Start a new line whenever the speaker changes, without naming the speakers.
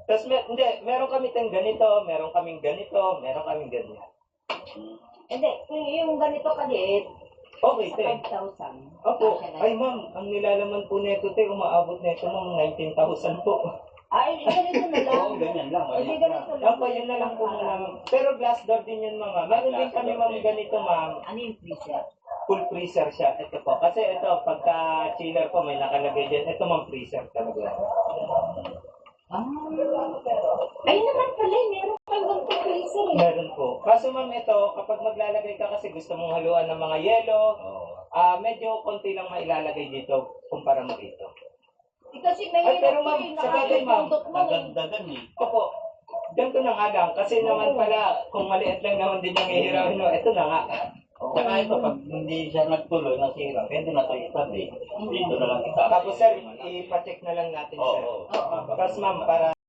Tapos hindi, meron kami tayong ganito, meron kaming ganito, meron kaming ganyan.
Hindi, yung ganito kaliit,
Okay,
sa
te.
5,000.
Opo.
Kasya na
Ay,
yun.
ma'am, ang nilalaman po nito, te, umaabot nito ma'am, 19,000 po.
Ay, ganito na lang.
Oo, ganyan lang.
Hindi ganito lang.
Opo, yun na lang po muna. Pero glass door din yun, ma'am. Meron din kami, ma'am, ganito, ma'am.
Ano yung freezer?
Full freezer siya. Ito po. Kasi ito, pagka chiller po, may nakalagay din. Ito, ma'am, freezer talaga.
Ah. Ayun naman pala, meron kang ganito freezer eh.
Meron po. Kaso, ma'am, ito, kapag maglalagay ka kasi gusto mong haluan ng mga yelo, medyo konti lang mailalagay dito kumpara mo dito.
Kasi
Ay, pero
mahirap
ma'am,
to eh,
sa bagay, ma'am,
nakakapundot mo eh.
Nagagdagan eh.
Opo, ganito na nga lang. Kasi naman pala, kung maliit lang naman din yung hihiramin mo, ito na nga.
Saka ito, pag hindi siya nagtuloy, nasira, pwede na ito itabi. Dito na lang itabi.
Tapos, sir, ipacheck na lang natin, sir.
Oo.
Tapos, ma'am, para